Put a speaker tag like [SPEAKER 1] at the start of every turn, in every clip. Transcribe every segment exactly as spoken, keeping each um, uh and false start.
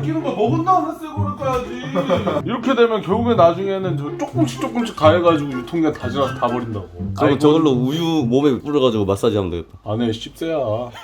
[SPEAKER 1] 끼는 거 먹은 다음에 새 거를 까야지. 이렇게 되면 결국에 나중에는 저 조금씩 조금씩 가해가지고 유통기한 다 지나서 다 버린다고.
[SPEAKER 2] 그럼 저걸로 우유 몸에 뿌려가지고 마사지 하면 되겠다.
[SPEAKER 1] 안에 씹새야.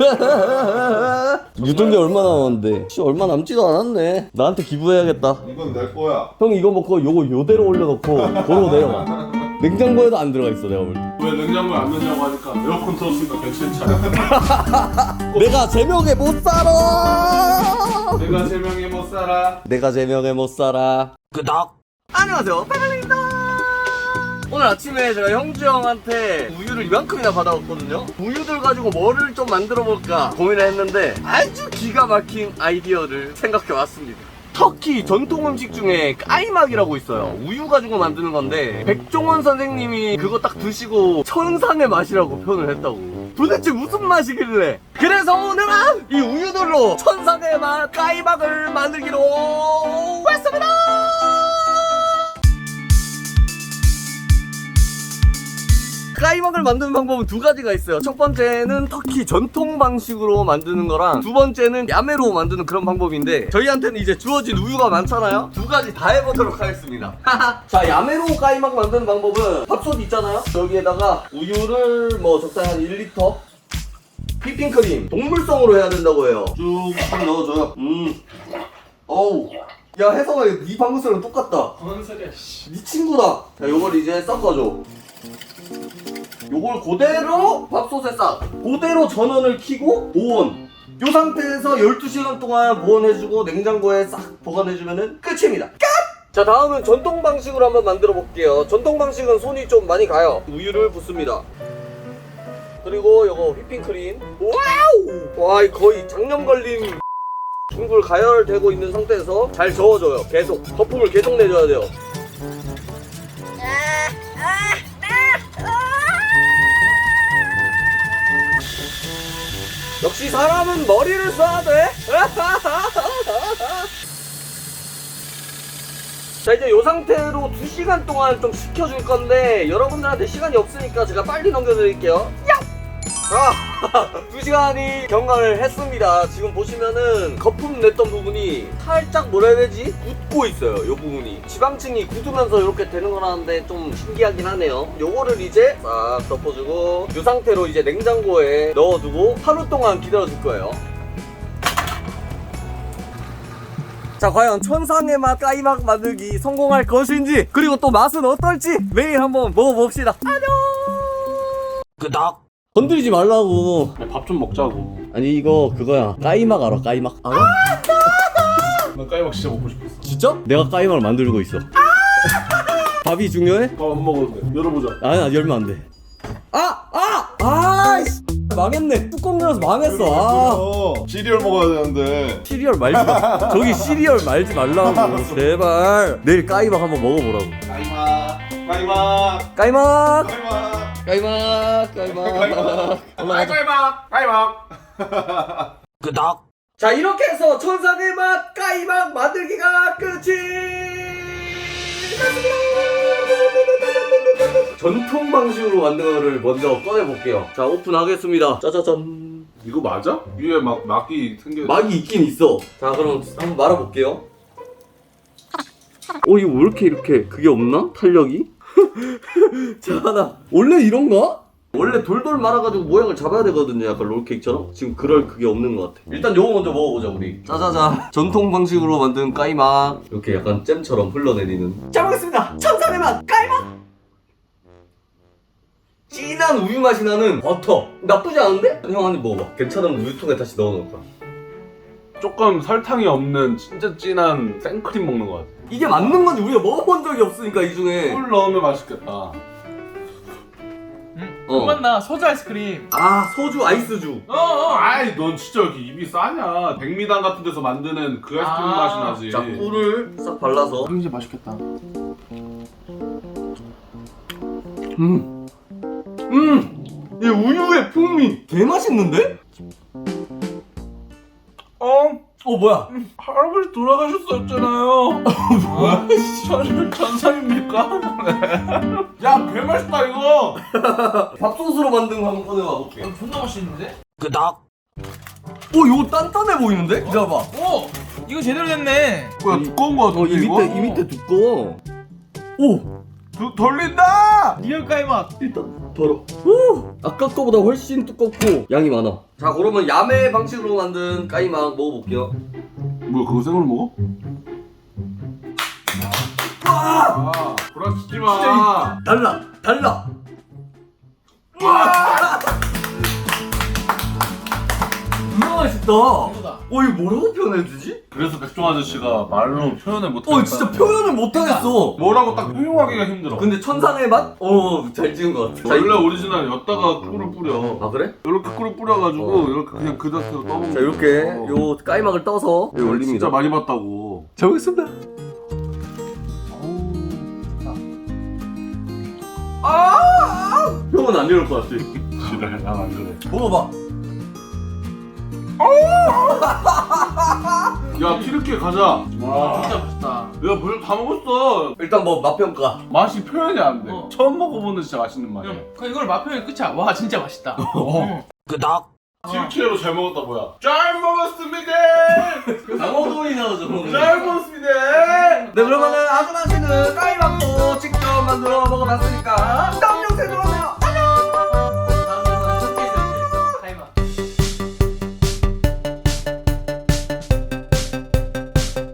[SPEAKER 2] 유통기한 얼마 남았는데? 씨, 얼마 남지도 않았네. 나한테 기부해야겠다.
[SPEAKER 3] 이건 내 거야.
[SPEAKER 2] 형 이거 먹고 요거 요대로 올려놓고 도로 내려가. 냉장고에도 안 들어가 있어 내가 볼 때.
[SPEAKER 1] 왜 냉장고에 안 넣냐고 하니까 에어컨 틀었으니까 괜찮잖아.
[SPEAKER 2] 내가 제명에 못 살아.
[SPEAKER 1] 내가 세 명에 못 살아.
[SPEAKER 2] 내가 제명에 못 살아. 끄덕. 안녕하세요, 빠글입니다. 오늘 아침에 제가 형주 형한테 우유를 이만큼이나 받아왔거든요. 우유들 가지고 뭐를 좀 만들어 볼까 고민을 했는데 아주 기가 막힌 아이디어를 생각해 왔습니다. 터키 전통 음식 중에 까이막이라고 있어요. 우유 가지고 만드는 건데 백종원 선생님이 그거 딱 드시고 천상의 맛이라고 표현을 했다고. 도대체 무슨 맛이길래? 그래서 오늘은 이 우유들로 천상의 맛 까이막을 만들기로 했습니다. 까이막을 만드는 방법은 두 가지가 있어요. 첫 번째는 터키 전통 방식으로 만드는 거랑 두 번째는 야매로 만드는 그런 방법인데 저희한테는 이제 주어진 우유가 많잖아요. 두 가지 다 해보도록 하겠습니다. 자, 야매로 까이막 만드는 방법은 밥솥 있잖아요. 여기에다가 우유를 뭐 적당히 한 일 리터, 휘핑크림 동물성으로 해야 된다고 해요. 쭉 한 넣어줘요. 음, 어우, 야 혜성아, 네 방금 소리랑 똑같다.
[SPEAKER 1] 뭔 소리야 씨.
[SPEAKER 2] 네 친구다. 자, 요걸 이제 섞어줘. 요걸 그대로 밥솥에 싹 그대로 전원을 켜고 보온. 요 상태에서 열두 시간 동안 보온해주고 냉장고에 싹 보관해주면 끝입니다. 끝! 자, 다음은 전통 방식으로 한번 만들어 볼게요. 전통 방식은 손이 좀 많이 가요. 우유를 붓습니다. 그리고 요거 휘핑크림. 와우! 와, 거의 장염 걸린 둥글 가열되고 있는 상태에서 잘 저어줘요. 계속 거품을 계속 내줘야 돼요. 역시 사람은 머리를 써야 돼. 자, 이제 이 상태로 두 시간 동안 좀 식혀줄 건데 여러분들한테 시간이 없으니까 제가 빨리 넘겨드릴게요. 아, 두 시간이 경과를 했습니다. 지금 보시면은 거품 냈던 부분이 살짝 뭐라 해야 되지? 굳고 있어요. 이 부분이 지방층이 굳으면서 이렇게 되는 거라는데 좀 신기하긴 하네요. 요거를 이제 싹 덮어주고 이 상태로 이제 냉장고에 넣어두고 하루 동안 기다려줄 거예요. 자, 과연 천상의 맛 까이막 만들기 성공할 것인지, 그리고 또 맛은 어떨지 매일 한번 먹어봅시다. 안녕. 끄덕. 건드리지 말라고.
[SPEAKER 1] 밥 좀 먹자고.
[SPEAKER 2] 아니, 이거 그거야. 까이막 알아? 까이막 알아?
[SPEAKER 1] 나 까이막 진짜 먹고 싶었어.
[SPEAKER 2] 진짜? 내가 까이막을 만들고 있어. 밥이 중요해?
[SPEAKER 1] 밥 안 먹어도 돼. 열어보자.
[SPEAKER 2] 아니, 열면 안 돼. 아! 아! 아이씨! 망했네. 뚜껑 열어서 망했어. 아.
[SPEAKER 3] 어, 시리얼 먹어야 되는데.
[SPEAKER 2] 시리얼 말지 마. 저기 시리얼 말지 말라고. 제발. 내일 까이막 한번 먹어보라고.
[SPEAKER 3] 까이막, 까이막,
[SPEAKER 2] 까이막!
[SPEAKER 3] 까이막,
[SPEAKER 2] 까이막! 까이막! 올라가자.
[SPEAKER 1] 까이막 까이막.
[SPEAKER 2] 끄덕. 자, 이렇게 해서 천상의 맛 까이막 만들기가 끝이 났습니다. 전통 방식으로 만든 거를 먼저 꺼내볼게요. 자, 오픈하겠습니다. 짜자잔.
[SPEAKER 1] 이거 맞아? 위에 막 막이 생겨.
[SPEAKER 2] 막이 있긴 있어. 자, 그럼 한번 말아볼게요. 어, 이거 왜 이렇게 이렇게 그게 없나? 탄력이? 자, 하나. 원래 이런가? 원래 돌돌 말아가지고 모양을 잡아야 되거든요. 약간 롤케이크처럼. 지금 그럴 그게 없는 것 같아. 일단 요거 먼저 먹어보자, 우리. 짜자자. 전통 방식으로 만든 까이막. 이렇게 약간 잼처럼 흘러내리는. 잘 먹겠습니다. 천상의 맛 까이막. 진한 우유 맛이 나는 버터. 나쁘지 않은데? 형 한 입 먹어봐. 괜찮으면 우유통에 다시 넣어놓을까.
[SPEAKER 1] 조금 설탕이 없는 진짜 진한 생크림 먹는 것 같아.
[SPEAKER 2] 이게 맞는 건지 우리가 먹어본 적이 없으니까 이 중에.
[SPEAKER 1] 꿀 넣으면 맛있겠다.
[SPEAKER 4] 응.
[SPEAKER 2] 어.
[SPEAKER 4] 그건 나 소주 아이스크림.
[SPEAKER 2] 아, 소주 아이스주.
[SPEAKER 4] 어, 어.
[SPEAKER 1] 아이 넌 진짜 왜 이렇게 입이 싸냐. 백미당 같은 데서 만드는 그 아이스크림
[SPEAKER 4] 아.
[SPEAKER 1] 맛이 나지.
[SPEAKER 2] 자, 꿀을 싹 발라서.
[SPEAKER 1] 굉장히 맛있겠다.
[SPEAKER 2] 음. 음. 이 우유의 풍미. 개 맛있는데?
[SPEAKER 1] 어?
[SPEAKER 2] 어, 뭐야?
[SPEAKER 1] 할아버지 돌아가셨었잖아요. 뭐야? 전, 전상입니까? 야, 개 맛있다 이거.
[SPEAKER 2] 밥솥으로 만든 거 한번 꺼내봐 볼게.
[SPEAKER 4] 어, 존나 맛있는데?
[SPEAKER 2] 끄덕. 오, 이거 단단해 보이는데? 기다려봐.
[SPEAKER 4] 오! 이거 제대로 됐네.
[SPEAKER 1] 뭐야 두꺼운 거
[SPEAKER 2] 어,
[SPEAKER 1] 같은데
[SPEAKER 2] 이
[SPEAKER 1] 이거?
[SPEAKER 2] 밑에 이 밑에 두꺼워. 오,
[SPEAKER 1] 두, 돌린다!
[SPEAKER 4] 리얼 까이막.
[SPEAKER 2] 일단 덜어. 오, 아까 거보다 훨씬 두껍고 양이 많아. 자, 그러면 야매 방식으로 만든 까이막 먹어볼게요.
[SPEAKER 1] 뭐야 그거 생으로 먹어? 아 불안치지 마.
[SPEAKER 2] 달라, 달라. 존나 맛있다. 어, 이거 뭐라고 표현해주지?
[SPEAKER 1] 그래서 백종 아저씨가 말로 표현을 못하겠다.
[SPEAKER 2] 어, 진짜 표현을 못하겠어.
[SPEAKER 1] 뭐라고 딱 표현하기가 힘들어.
[SPEAKER 2] 근데 천상의 맛? 어, 잘 지은 것 같아. 자,
[SPEAKER 1] 원래
[SPEAKER 2] 이거-
[SPEAKER 1] 오리지널 였다가 꿀을 뿌려.
[SPEAKER 2] 아, 그래?
[SPEAKER 1] 이렇게 꿀을 뿌려가지고
[SPEAKER 2] 어.
[SPEAKER 1] 이렇게 그냥 그 자체로 떠먹는
[SPEAKER 2] 자, 이렇게
[SPEAKER 1] 어.
[SPEAKER 2] 요 까이막을 떠서 여기 올립니다.
[SPEAKER 1] 진짜 많이 봤다고.
[SPEAKER 2] 잘 먹겠습니다. 아! 형은 안 이럴 것 같아.
[SPEAKER 1] 지랄 난안 그래.
[SPEAKER 2] 먹어봐.
[SPEAKER 1] 야 튀르키예 가자.
[SPEAKER 4] 와 진짜 맛있다.
[SPEAKER 1] 야 벌써 다 먹었어.
[SPEAKER 2] 일단 뭐 맛평가.
[SPEAKER 1] 맛이 표현이 안 돼.
[SPEAKER 4] 어.
[SPEAKER 1] 처음 먹어보는 진짜 맛있는 맛이야.
[SPEAKER 4] 형, 그럼 이걸 맛표현 끝이야. 와 진짜 맛있다. 응.
[SPEAKER 2] 끄덕.
[SPEAKER 1] 튀르키예로 잘 먹었다 뭐야? 잘 먹었습니다.
[SPEAKER 2] 강호동이 나오죠.
[SPEAKER 1] 잘 먹었습니다.
[SPEAKER 2] 네, 그러면은 아주 맛있는 까이막도 직접 만들어 먹어봤으니까